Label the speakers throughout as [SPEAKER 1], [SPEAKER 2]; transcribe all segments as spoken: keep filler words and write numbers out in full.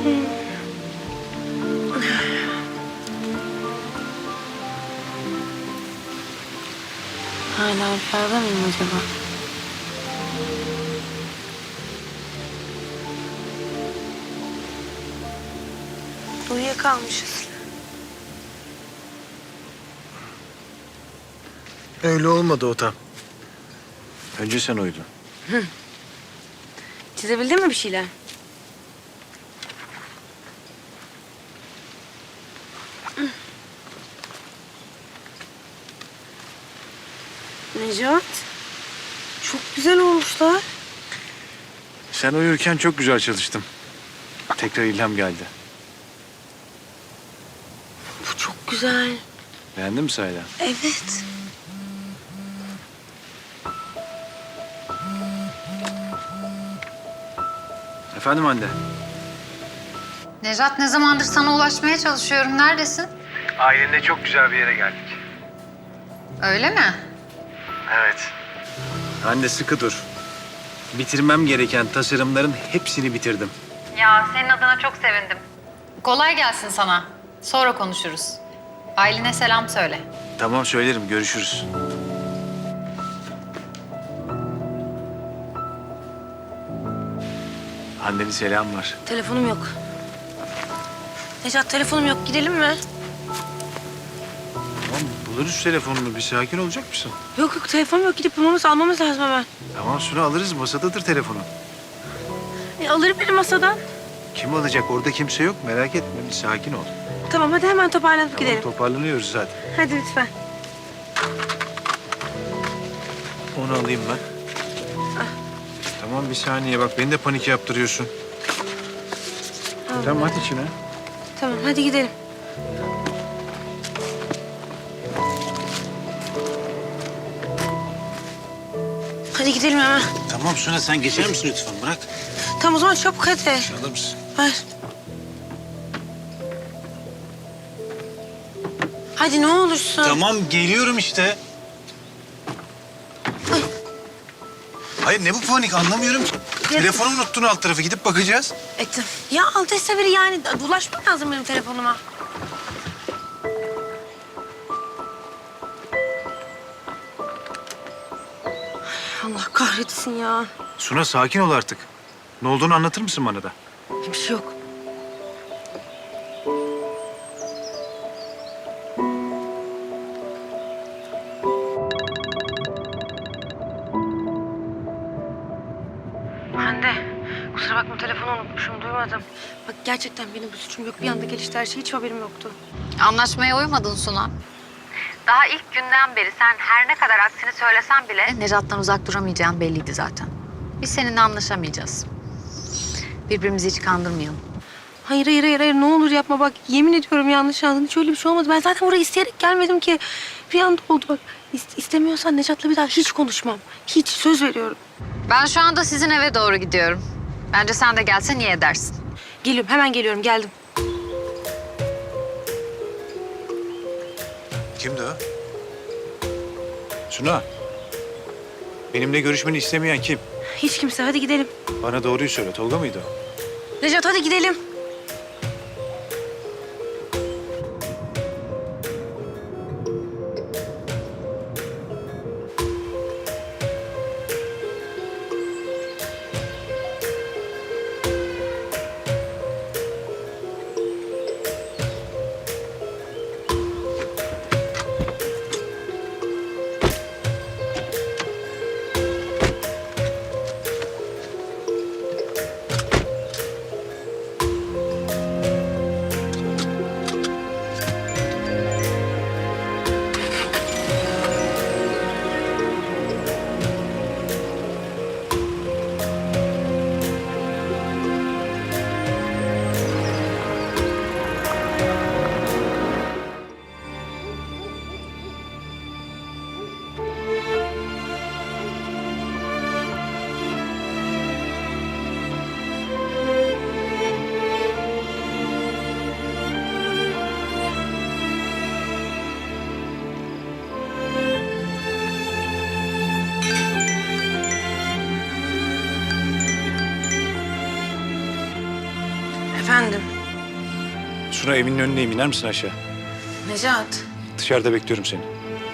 [SPEAKER 1] Hala rüyada mıyım acaba? Uyuyakalmışız.
[SPEAKER 2] Öyle olmadı o tam. Önce sen uyudun.
[SPEAKER 1] Çizebildin mi bir şeyler? Necat, çok güzel olmuşlar.
[SPEAKER 2] Sen uyurken çok güzel çalıştım. Tekrar ilham geldi.
[SPEAKER 1] Bu çok güzel.
[SPEAKER 2] Beğendin mi sahiden?
[SPEAKER 1] Evet.
[SPEAKER 2] Efendim anne?
[SPEAKER 3] Nejat, ne zamandır sana ulaşmaya çalışıyorum. Neredesin?
[SPEAKER 2] Ailenle çok güzel bir yere geldik.
[SPEAKER 3] Öyle mi?
[SPEAKER 2] Evet. Anne sıkı dur. Bitirmem gereken tasarımların hepsini bitirdim.
[SPEAKER 3] Ya senin adına çok sevindim. Kolay gelsin sana. Sonra konuşuruz. Ailene selam söyle.
[SPEAKER 2] Tamam söylerim, görüşürüz. Annenin selam var.
[SPEAKER 1] Telefonum yok. Necat, telefonum yok. Gidelim mi?
[SPEAKER 2] Tamam buluruz telefonunu. Bir sakin olacak mısın?
[SPEAKER 1] Yok yok, telefonum yok. Gidip bulmamız, almamız lazım hemen.
[SPEAKER 2] Tamam Suna alırız. Masadadır telefonu.
[SPEAKER 1] E, alırım benim masadan.
[SPEAKER 2] Kim alacak? Orada kimse yok. Merak etme. Bir sakin ol.
[SPEAKER 1] Tamam, hadi hemen toparlanıp
[SPEAKER 2] Tamam
[SPEAKER 1] gidelim.
[SPEAKER 2] toparlanıyoruz zaten.
[SPEAKER 1] Hadi lütfen.
[SPEAKER 2] Onu alayım ben. Tamam bir saniye bak beni de panik yaptırıyorsun.
[SPEAKER 1] Al
[SPEAKER 2] Tamam
[SPEAKER 1] ben.
[SPEAKER 2] hadi içine.
[SPEAKER 1] Tamam, hadi gidelim. Hadi gidelim hemen.
[SPEAKER 2] Tamam Suna sen geçer misin lütfen bırak.
[SPEAKER 1] Tamam o zaman çabuk hadi.
[SPEAKER 2] Alır mısın?
[SPEAKER 1] Ver. Hadi ne olursun.
[SPEAKER 2] Tamam geliyorum işte. Hayır ne bu panik anlamıyorum ki. Telefonu unuttun alt tarafı gidip bakacağız.
[SPEAKER 1] Ettim. Ya aldıysa biri yani ulaşmak lazım benim telefonuma. Allah kahretsin ya.
[SPEAKER 2] Suna sakin ol artık. Ne olduğunu anlatır mısın bana da?
[SPEAKER 1] Bir şey yok. Hande, kusura bakma telefonu unutmuşum, duymadım. Bak gerçekten benim bir suçum yok. Bir anda gelişti her şey, hiç haberim yoktu.
[SPEAKER 3] Anlaşmaya uymadın Suna. Daha ilk günden beri sen her ne kadar aksini söylesen bile Nejat'tan uzak duramayacağın belliydi zaten. Biz seninle anlaşamayacağız. Birbirimizi hiç kandırmayalım.
[SPEAKER 1] Hayır, hayır, hayır, hayır. Ne olur yapma bak. Yemin ediyorum yanlış anladın. Hiç öyle bir şey olmadı. Ben zaten buraya isteyerek gelmedim ki. Bir anda oldu bak. İst istemiyorsan Necat'la bir daha hiç konuşmam. Hiç, söz veriyorum.
[SPEAKER 3] Ben şu anda sizin eve doğru gidiyorum. Bence sen de gelsen iyi edersin.
[SPEAKER 1] Geliyorum, hemen geliyorum. Geldim.
[SPEAKER 2] Kimdi o? Suna. Benimle görüşmeni istemeyen kim?
[SPEAKER 1] Hiç kimse. Hadi gidelim.
[SPEAKER 2] Bana doğruyu söyle. Tolga mıydı o?
[SPEAKER 1] Necat hadi gidelim. Efendim?
[SPEAKER 2] Suna evinin önündeyim. İner misin aşağı?
[SPEAKER 1] Necat.
[SPEAKER 2] Dışarıda bekliyorum seni.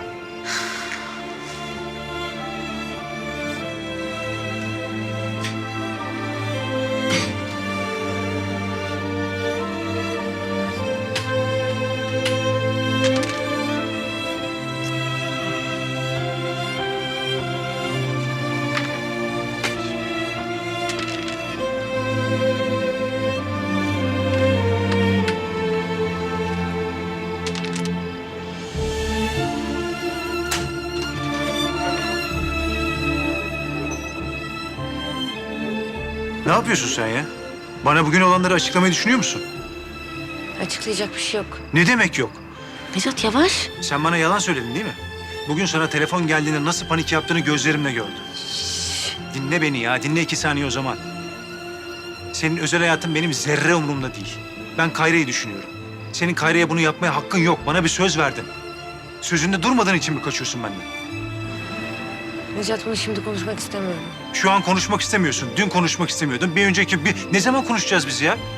[SPEAKER 2] Ne yapıyorsun sen ya? Bana bugün olanları açıklamayı düşünüyor musun?
[SPEAKER 1] Açıklayacak bir şey yok.
[SPEAKER 2] Ne demek yok?
[SPEAKER 1] Necat yavaş.
[SPEAKER 2] Sen bana yalan söyledin değil mi? Bugün sana telefon geldiğinde nasıl panik yaptığını gözlerimle gördüm. Dinle beni ya, dinle iki saniye o zaman. Senin özel hayatın benim zerre umurumda değil. Ben Kayra'yı düşünüyorum. Senin Kayra'ya bunu yapmaya hakkın yok. Bana bir söz verdin. Sözünde durmadığın için mi kaçıyorsun benden?
[SPEAKER 1] Necat bunu şimdi konuşmak istemiyorum.
[SPEAKER 2] Şu an konuşmak istemiyorsun. Dün konuşmak istemiyordun. Bir önceki bir... Ne zaman konuşacağız biz ya?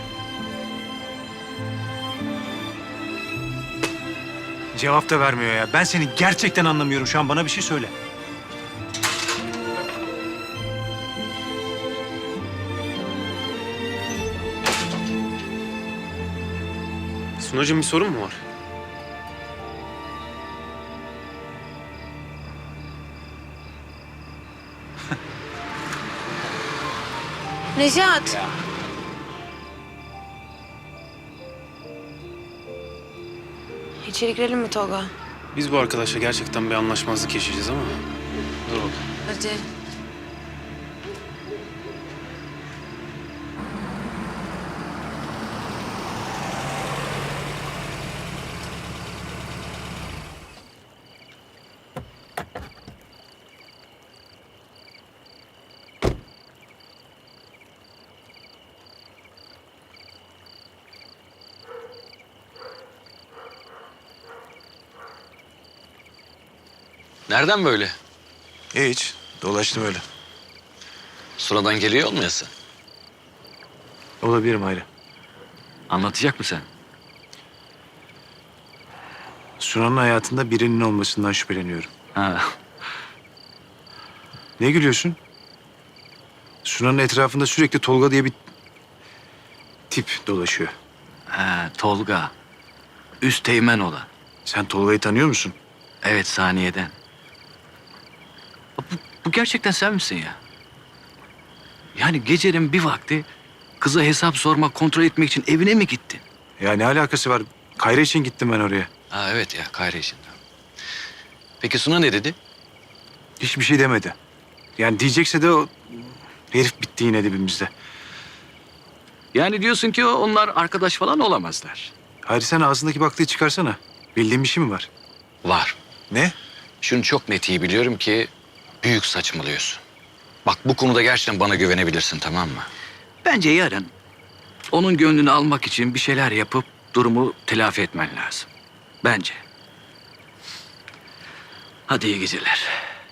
[SPEAKER 2] Cevap da vermiyor ya. Ben seni gerçekten anlamıyorum şu an. Bana bir şey söyle.
[SPEAKER 4] Sunacığım bir sorun mu var?
[SPEAKER 1] Necat. İçeri girelim mi Tolga?
[SPEAKER 4] Biz bu arkadaşla gerçekten bir anlaşmazlık yaşayacağız ama... Dur bakalım.
[SPEAKER 1] Hadi.
[SPEAKER 5] Nereden böyle?
[SPEAKER 2] Hiç. Dolaştım öyle.
[SPEAKER 5] Sonradan geliyor olmayasın.
[SPEAKER 2] Olabilirim Hayri.
[SPEAKER 5] Anlatacak mısın?
[SPEAKER 2] Sunan'ın hayatında birinin olmasından şüpheleniyorum.
[SPEAKER 5] Ha.
[SPEAKER 2] Ne gülüyorsun? Sunan'ın etrafında sürekli Tolga diye bir tip dolaşıyor.
[SPEAKER 5] Ha, Tolga. Üst teğmen olan.
[SPEAKER 2] Sen Tolga'yı tanıyor musun?
[SPEAKER 5] Evet, saniyeden. Bu, bu gerçekten sen misin ya? Yani gecenin bir vakti kıza hesap sormak, kontrol etmek için evine mi gittin?
[SPEAKER 2] Ya ne alakası var? Kayra için gittim ben oraya.
[SPEAKER 5] Ha evet ya, Kayra için. Peki Suna ne dedi?
[SPEAKER 2] Hiçbir şey demedi. Yani diyecekse de o herif bitti yine dibimizde.
[SPEAKER 5] Yani diyorsun ki onlar arkadaş falan olamazlar.
[SPEAKER 2] Hayri sen ağzındaki baklayı çıkarsana. Bildiğin bir şey mi var?
[SPEAKER 5] Var.
[SPEAKER 2] Ne?
[SPEAKER 5] Şunu çok net iyi biliyorum ki büyük saçmalıyorsun. Bak bu konuda gerçekten bana güvenebilirsin, tamam mı? Bence yarın onun gönlünü almak için bir şeyler yapıp durumu telafi etmen lazım. Bence. Hadi iyi geceler.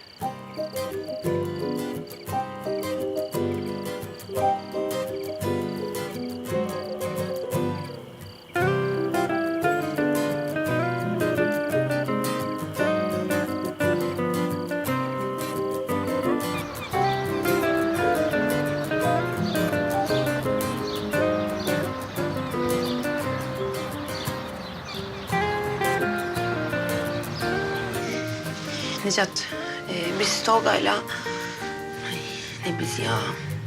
[SPEAKER 1] Necat, e, biz Tolga'yla... Ay, ne biz ya?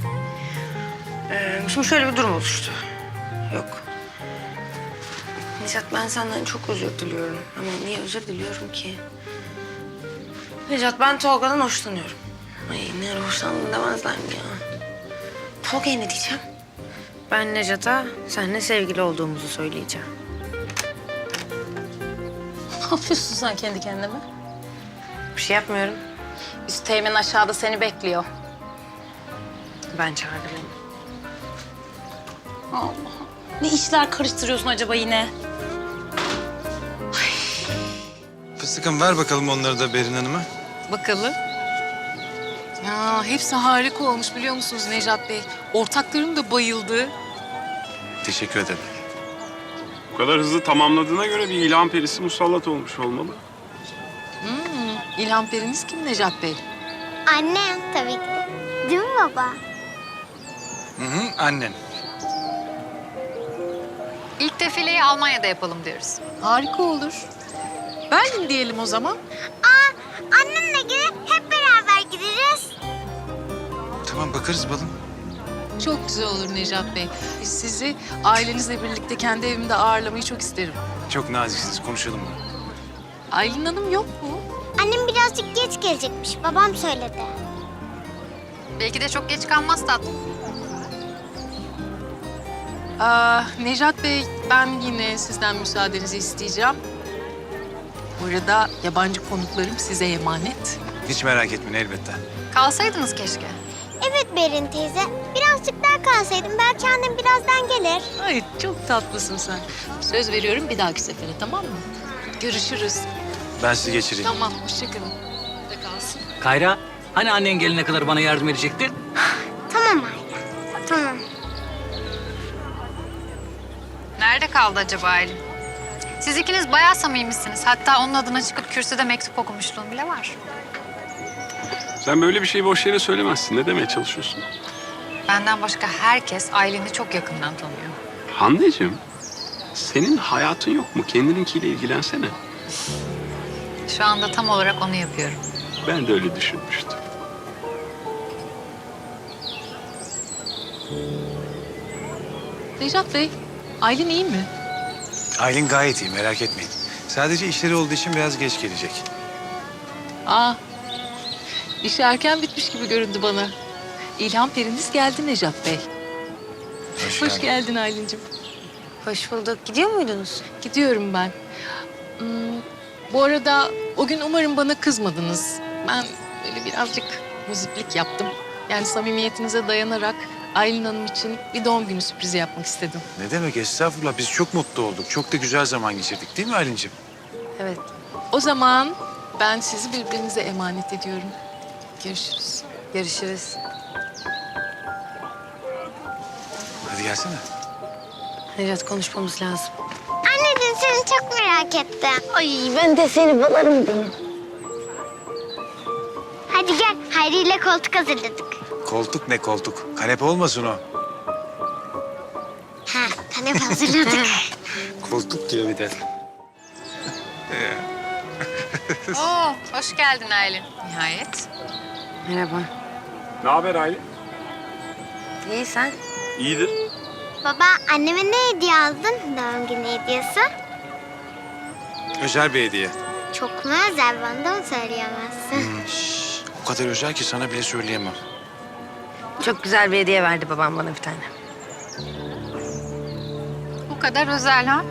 [SPEAKER 1] E, şimdi şöyle bir durum oluştu. Yok. Necat, ben senden çok özür diliyorum. Ama niye özür diliyorum ki? Necat, ben Tolga'dan hoşlanıyorum. Ay ne ara hoşlandın demezler mi ya? Tolga'ya ne diyeceğim? Ben Necat'a seninle sevgili olduğumuzu söyleyeceğim.
[SPEAKER 6] Ne yapıyorsun sen kendi kendine?
[SPEAKER 1] Bir şey yapmıyorum.
[SPEAKER 6] Üst teğmen aşağıda seni bekliyor.
[SPEAKER 1] Ben çağırdım.
[SPEAKER 6] Allah. Ne işler karıştırıyorsun acaba yine?
[SPEAKER 2] Fıstıkım ver bakalım onları da Berin Hanım'a.
[SPEAKER 7] Bakalım. Ya hepsi harika olmuş biliyor musunuz Nejat Bey? Ortaklarım da bayıldı.
[SPEAKER 2] Teşekkür ederim.
[SPEAKER 7] Bu kadar hızlı tamamladığına göre bir ilham perisi musallat olmuş olmalı.
[SPEAKER 8] İlham periniz kim Necat Bey?
[SPEAKER 9] Annem tabii ki de. Değil mi baba?
[SPEAKER 2] Hı hı, annen.
[SPEAKER 3] İlk defileyi Almanya'da yapalım diyoruz.
[SPEAKER 8] Harika olur. Berlin diyelim o zaman.
[SPEAKER 9] Aa, annemle gidip hep beraber gideriz.
[SPEAKER 2] Tamam, bakarız balım.
[SPEAKER 8] Çok güzel olur Necat Bey. Sizi ailenizle birlikte kendi evimde ağırlamayı çok isterim.
[SPEAKER 2] Çok naziksiniz, konuşalım bunu.
[SPEAKER 8] Aylin Hanım yok mu?
[SPEAKER 9] Annem birazcık geç gelecekmiş. Babam söyledi.
[SPEAKER 3] Belki de çok geç kalmaz tatlım.
[SPEAKER 8] Aa, Necat Bey, ben yine sizden müsaadenizi isteyeceğim. Bu arada yabancı konuklarım size emanet.
[SPEAKER 2] Hiç merak etmeyin, elbette.
[SPEAKER 3] Kalsaydınız keşke.
[SPEAKER 9] Evet Berin teyze. Birazcık daha kalsaydım belki annem birazdan gelir.
[SPEAKER 8] Ay çok tatlısın sen. Söz veriyorum bir dahaki sefere, tamam mı? Görüşürüz.
[SPEAKER 2] Ben sizi geçireyim.
[SPEAKER 8] Tamam, hoşçakalın. De kalsın.
[SPEAKER 5] Kayra, hani annen gelene kadar bana yardım edecektin?
[SPEAKER 9] Tamam anne. Tamam.
[SPEAKER 3] Nerede kaldı acaba Aylin? Siz ikiniz bayağı samimisiniz. Hatta onun adına çıkıp kürsüde mektup okumuşluğum bile var.
[SPEAKER 7] Sen böyle bir şeyi boş yere söylemezsin. Ne demeye çalışıyorsun?
[SPEAKER 3] Benden başka herkes Aylin'i çok yakından tanıyor.
[SPEAKER 7] Hande'cim, senin hayatın yok mu? Kendininkiyle ilgilensene.
[SPEAKER 3] Şu anda tam olarak onu yapıyorum.
[SPEAKER 7] Ben de öyle düşünmüştüm.
[SPEAKER 8] Necat Bey, Aylin iyi mi?
[SPEAKER 2] Aylin gayet iyi, merak etmeyin. Sadece işleri olduğu için biraz geç gelecek.
[SPEAKER 8] Aa, iş erken bitmiş gibi göründü bana. İlham periniz geldi Necat Bey.
[SPEAKER 2] Hoş,
[SPEAKER 8] Hoş geldin Aylin'cim.
[SPEAKER 1] Hoş bulduk. Gidiyor muydunuz?
[SPEAKER 8] Gidiyorum ben. Hmm, bu arada o gün umarım bana kızmadınız. Ben böyle birazcık muziplik yaptım. Yani samimiyetinize dayanarak Aylin Hanım için bir doğum günü sürprizi yapmak istedim.
[SPEAKER 2] Ne demek, estağfurullah. Biz çok mutlu olduk. Çok da güzel zaman geçirdik, değil mi Aylin'ciğim?
[SPEAKER 1] Evet.
[SPEAKER 8] O zaman ben sizi birbirinize emanet ediyorum. Görüşürüz.
[SPEAKER 1] Görüşürüz.
[SPEAKER 2] Hadi gelsene.
[SPEAKER 1] Necat, konuşmamız lazım.
[SPEAKER 9] Anneciğim seni çok merak ettim.
[SPEAKER 1] Ay ben de seni balarım benim.
[SPEAKER 9] Hadi gel. Hayri ile koltuk hazırladık.
[SPEAKER 2] Koltuk ne koltuk? Kanepe olmasın o.
[SPEAKER 9] Ha, kanepe hazırladık.
[SPEAKER 2] Koltuk diyor bir de.
[SPEAKER 3] Oo, hoş geldin Aylin. Nihayet.
[SPEAKER 1] Merhaba.
[SPEAKER 7] Ne haber Aylin?
[SPEAKER 1] İyi sen?
[SPEAKER 7] İyidir.
[SPEAKER 9] Baba anneme ne hediye aldın? Doğum günü hediyesi.
[SPEAKER 2] Özel bir hediye.
[SPEAKER 9] Çok mu özel? Bana da mı söyleyemezsin?
[SPEAKER 2] Şş, o kadar özel ki sana bile söyleyemem.
[SPEAKER 1] Çok güzel bir hediye verdi babam bana bir tane.
[SPEAKER 3] Bu kadar özel ha?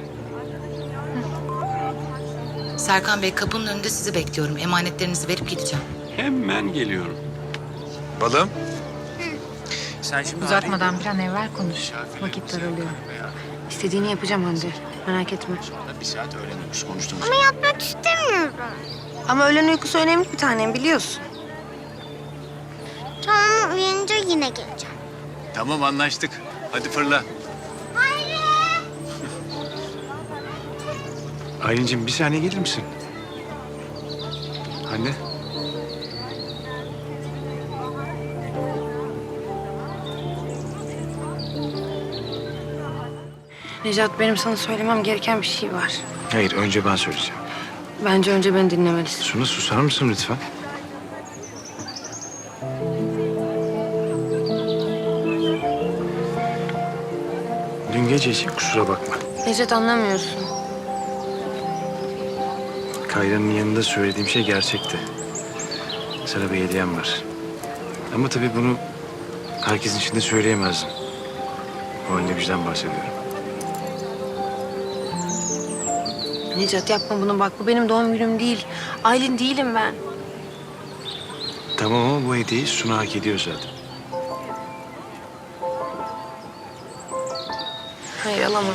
[SPEAKER 10] Serkan Bey kapının önünde sizi bekliyorum. Emanetlerinizi verip gideceğim.
[SPEAKER 7] Hemen geliyorum.
[SPEAKER 2] Balım. Sen şimdi
[SPEAKER 3] Uzatmadan bir an evvel konuş. Vakit daralıyor.
[SPEAKER 1] İstediğini yapacağım Hande. Merak etme.
[SPEAKER 2] bir saat öğreniyoruz, konuştuğumuz.
[SPEAKER 9] Ama yapmak istemiyorum.
[SPEAKER 1] Ama öğlen uykusu önemli bir tanem, biliyorsun.
[SPEAKER 9] Tamam uyanınca yine geleceğim.
[SPEAKER 2] Tamam, anlaştık. Hadi fırla. Aylin'cim bir saniye gelir misin? Anne.
[SPEAKER 1] Necat, benim sana söylemem gereken bir şey var.
[SPEAKER 2] Hayır, önce ben söyleyeceğim.
[SPEAKER 1] Bence önce beni dinlemelisin.
[SPEAKER 2] Suna, susar mısın lütfen? Dün gece için kusura bakma.
[SPEAKER 1] Necat, anlamıyorsun.
[SPEAKER 2] Kayra'nın yanında söylediğim şey gerçekti. Sana bir hediyem var. Ama tabii bunu herkesin içinde söyleyemezdim. O anne bizden bahsediyorum.
[SPEAKER 1] Necat, yapma bunu bak. Bu benim doğum günüm değil. Aylin değilim ben.
[SPEAKER 2] Tamam ama bu hediyeyi Suna hak ediyor zaten.
[SPEAKER 1] Hayır, alamam.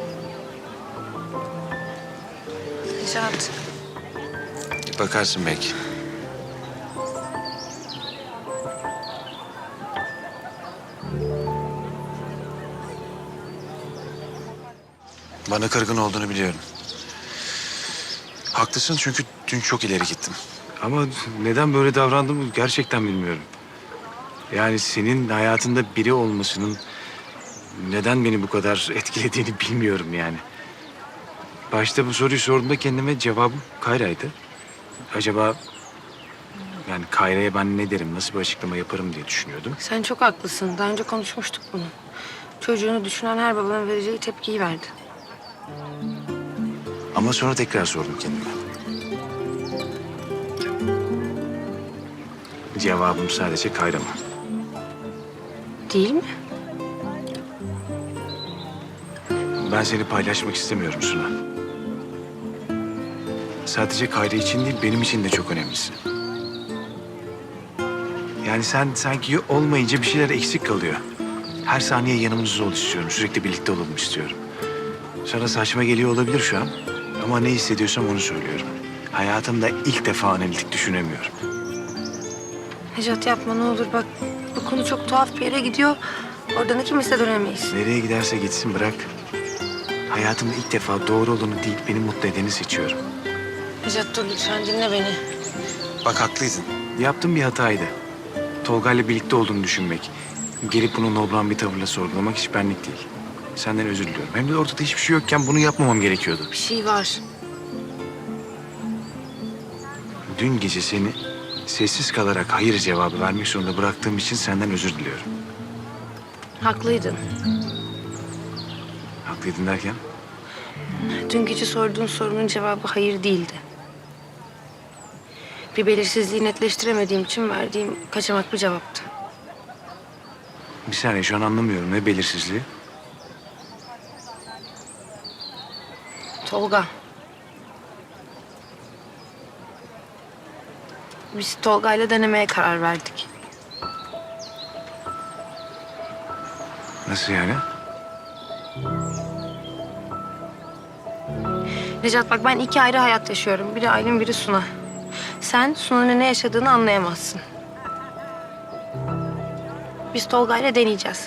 [SPEAKER 1] Necat.
[SPEAKER 2] Bakarsın belki. Bana kırgın olduğunu biliyorum. Haklısın çünkü dün çok ileri gittim.
[SPEAKER 4] Ama neden böyle davrandığımı gerçekten bilmiyorum. Yani senin hayatında biri olmasının neden beni bu kadar etkilediğini bilmiyorum yani. Başta bu soruyu sorduğumda kendime cevabım Kayra'ydı. Acaba yani Kayra'ya ben ne derim, nasıl bir açıklama yaparım diye düşünüyordum.
[SPEAKER 1] Sen çok haklısın. Daha önce konuşmuştuk bunu. Çocuğunu düşünen her babanın vereceği tepkiyi verdi.
[SPEAKER 2] Ama sonra tekrar sordum kendime.
[SPEAKER 4] Cevabım sadece Kayra mı?
[SPEAKER 1] Değil mi?
[SPEAKER 4] Ben seni paylaşmak istemiyorum Suna. Sadece Kayra için değil, benim için de çok önemlisin. Yani sen sanki olmayınca bir şeyler eksik kalıyor. Her saniye yanımızda ol istiyorum, sürekli birlikte olalım istiyorum. Sana saçma geliyor olabilir şu an ama ne hissediyorsam onu söylüyorum. Hayatımda ilk defa analitik düşünemiyorum.
[SPEAKER 1] Necat yapma ne olur bak. Bu konu çok tuhaf bir yere gidiyor. Oradan ikimiz de dönemeyiz.
[SPEAKER 4] Nereye giderse gitsin bırak. Hayatımda ilk defa doğru olanı değil, beni mutlu edeni seçiyorum.
[SPEAKER 1] Necat dur lütfen dinle beni.
[SPEAKER 2] Bak haklıydın.
[SPEAKER 4] Yaptığım bir hataydı. Tolga'yla birlikte olduğunu düşünmek. Gelip bunu nobran bir tavırla sorgulamak hiç benlik değil. Senden özür diliyorum. Hem de ortada hiçbir şey yokken bunu yapmamam gerekiyordu.
[SPEAKER 1] Bir şey var.
[SPEAKER 4] Dün gece seni sessiz kalarak hayır cevabı vermek zorunda bıraktığım için senden özür diliyorum.
[SPEAKER 1] Haklıydın.
[SPEAKER 4] Haklıydın derken?
[SPEAKER 1] Dün gece sorduğun sorunun cevabı hayır değildi. Bir belirsizliği netleştiremediğim için verdiğim kaçamak bir cevaptı.
[SPEAKER 4] Bir saniye şu an anlamıyorum. Ne belirsizliği?
[SPEAKER 1] Tolga. Biz Tolga'yla denemeye karar verdik.
[SPEAKER 4] Nasıl yani?
[SPEAKER 1] Necat bak ben iki ayrı hayat yaşıyorum. Biri Aylin, biri Suna. Sen Suna'nın ne yaşadığını anlayamazsın. Biz Tolga'yla deneyeceğiz.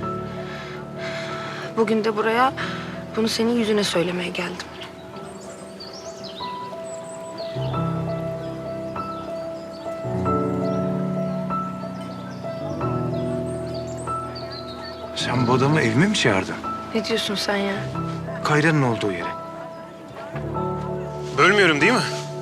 [SPEAKER 1] Bugün de buraya bunu senin yüzüne söylemeye geldim.
[SPEAKER 4] Sen bu adamı evime mi çağırdın?
[SPEAKER 1] Ne diyorsun sen ya?
[SPEAKER 4] Kayra'nın olduğu yere. Bölmüyorum değil mi?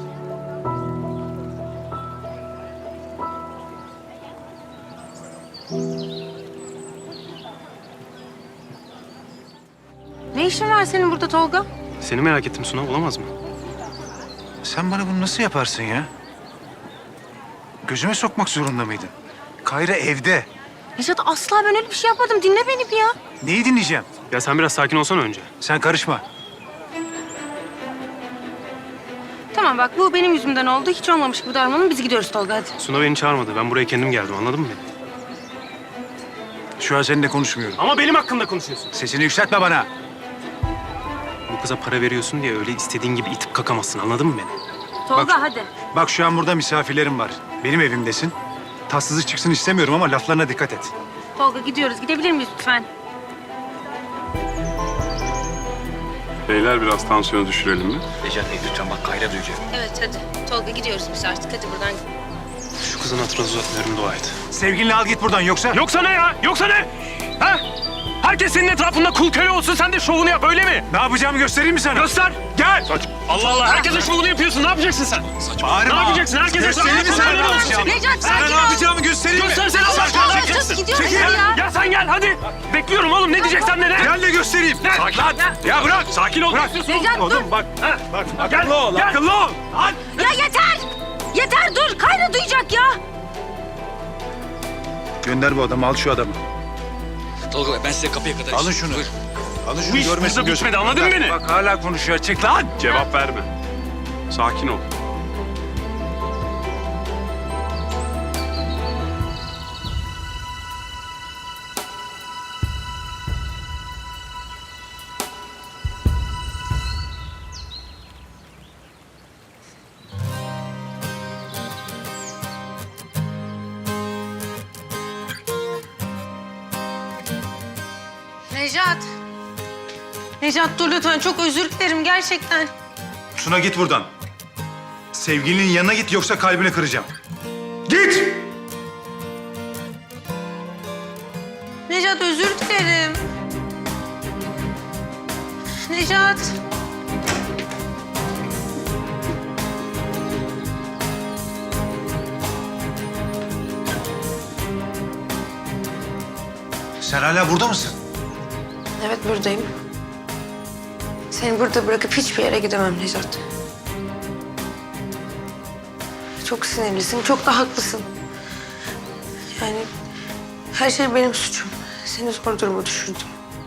[SPEAKER 1] Ne işin var senin burada Tolga?
[SPEAKER 4] Seni merak ettim Suna, olamaz mı?
[SPEAKER 2] Sen bana bunu nasıl yaparsın ya? Gözüme sokmak zorunda mıydın? Kayra evde.
[SPEAKER 1] Necat asla ben öyle bir şey yapmadım. Dinle beni bir ya.
[SPEAKER 2] Neyi dinleyeceğim?
[SPEAKER 4] Ya sen biraz sakin olsana önce.
[SPEAKER 2] Sen karışma.
[SPEAKER 1] Tamam bak bu benim yüzümden oldu. Hiç olmamış gibi davranalım. Biz gidiyoruz Tolga hadi.
[SPEAKER 4] Suna beni çağırmadı. Ben buraya kendim geldim, anladın mı beni?
[SPEAKER 2] Şu an seninle konuşmuyorum.
[SPEAKER 4] Ama benim hakkımda konuşuyorsun.
[SPEAKER 2] Sesini yükseltme bana.
[SPEAKER 4] Bu kıza para veriyorsun diye öyle istediğin gibi itip kakamazsın, anladın mı beni?
[SPEAKER 1] Tolga
[SPEAKER 2] Bak-
[SPEAKER 1] hadi.
[SPEAKER 2] Bak şu an burada misafirlerim var. Benim evimdesin. Tatsızlık çıksın istemiyorum ama laflarına dikkat et.
[SPEAKER 1] Tolga gidiyoruz. Gidebilir miyiz lütfen?
[SPEAKER 7] Beyler biraz tansiyonu düşürelim mi?
[SPEAKER 5] Necat Bey lütfen bak Kayra duyacak.
[SPEAKER 1] Evet hadi. Tolga gidiyoruz biz artık. Hadi buradan.
[SPEAKER 4] Şu kızın hatırına uzatmıyorum, dua et.
[SPEAKER 2] Sevgilinle al git buradan yoksa...
[SPEAKER 4] Yoksa ne ya? Yoksa ne? Ha? Herkes senin etrafında kul köle olsun, sen de şovunu yap, öyle mi?
[SPEAKER 2] Ne yapacağımı göstereyim mi sana?
[SPEAKER 4] Göster!
[SPEAKER 2] Gel!
[SPEAKER 4] Allah Allah, herkesin şovunu yapıyorsun, ne yapacaksın sen?
[SPEAKER 2] Bağırma.
[SPEAKER 4] Ne yapacaksın? Herkese
[SPEAKER 2] Göstereyim mi sana?
[SPEAKER 4] şovunu olsun.
[SPEAKER 1] Necat
[SPEAKER 2] Sana
[SPEAKER 1] sakin
[SPEAKER 2] ne
[SPEAKER 1] ol.
[SPEAKER 2] yapacağımı göstereyim mi?
[SPEAKER 4] Göstersene Allah
[SPEAKER 1] Sakin ol.
[SPEAKER 4] aşkına.
[SPEAKER 1] Yapacağız, gidiyoruz
[SPEAKER 2] Çekil.
[SPEAKER 1] hadi ya.
[SPEAKER 4] Ya sen gel hadi. Bekliyorum oğlum, ne diyeceksen de ne?
[SPEAKER 2] Gel de göstereyim.
[SPEAKER 4] Ne?
[SPEAKER 2] Sakin. Lan. Ya bırak.
[SPEAKER 4] Sakin ol.
[SPEAKER 2] Bırak.
[SPEAKER 1] Necat dur.
[SPEAKER 2] Oğlum bak.
[SPEAKER 4] Ha?
[SPEAKER 2] Bak
[SPEAKER 4] Gel,
[SPEAKER 2] akıllı ol.
[SPEAKER 4] gel.
[SPEAKER 2] Akıllı ol. Lan.
[SPEAKER 1] Ya yeter. Yeter dur. Kayra duyacak ya.
[SPEAKER 2] Gönder bu adamı. Al şu adamı.
[SPEAKER 5] Tolga Bey ben size kapıya kadar...
[SPEAKER 2] Alın şunu.
[SPEAKER 5] Buyurun.
[SPEAKER 2] Alın şunu
[SPEAKER 4] Bu iş
[SPEAKER 2] görmesin
[SPEAKER 4] burada
[SPEAKER 2] gözüm.
[SPEAKER 4] bitmedi, anladın mı beni?
[SPEAKER 2] Bak hala konuşuyor. Çık lan.
[SPEAKER 7] Cevap verme. Sakin ol.
[SPEAKER 1] Necat. Necat dur lütfen, çok özür dilerim gerçekten.
[SPEAKER 2] Suna git buradan. Sevgilinin yanına git yoksa kalbini kıracağım. Git!
[SPEAKER 1] Necat özür dilerim. Necat.
[SPEAKER 2] Sen hala burada mısın?
[SPEAKER 1] Evet buradayım. Seni burada bırakıp hiçbir yere gidemem Necat. Çok sinirlisin, çok da haklısın. Yani her şey benim suçum. Seni zor duruma düşürdüm.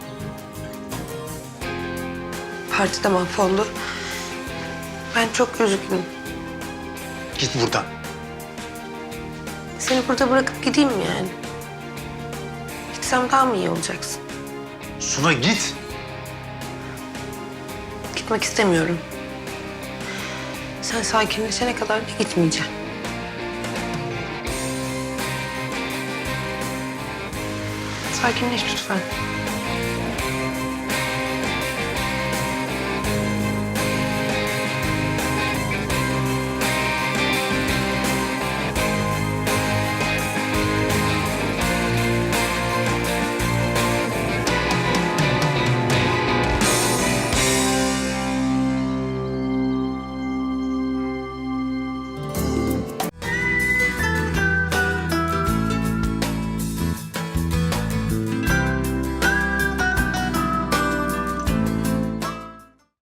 [SPEAKER 1] Parti de mahvoldu. Ben çok üzgünüm.
[SPEAKER 2] Git buradan.
[SPEAKER 1] Seni burada bırakıp gideyim mi yani? Gitsem daha mı iyi olacaksın?
[SPEAKER 2] Suna git.
[SPEAKER 1] Gitmek istemiyorum. Sen sakinleşene kadar da gitmeyeceğim. Sakinleş lütfen.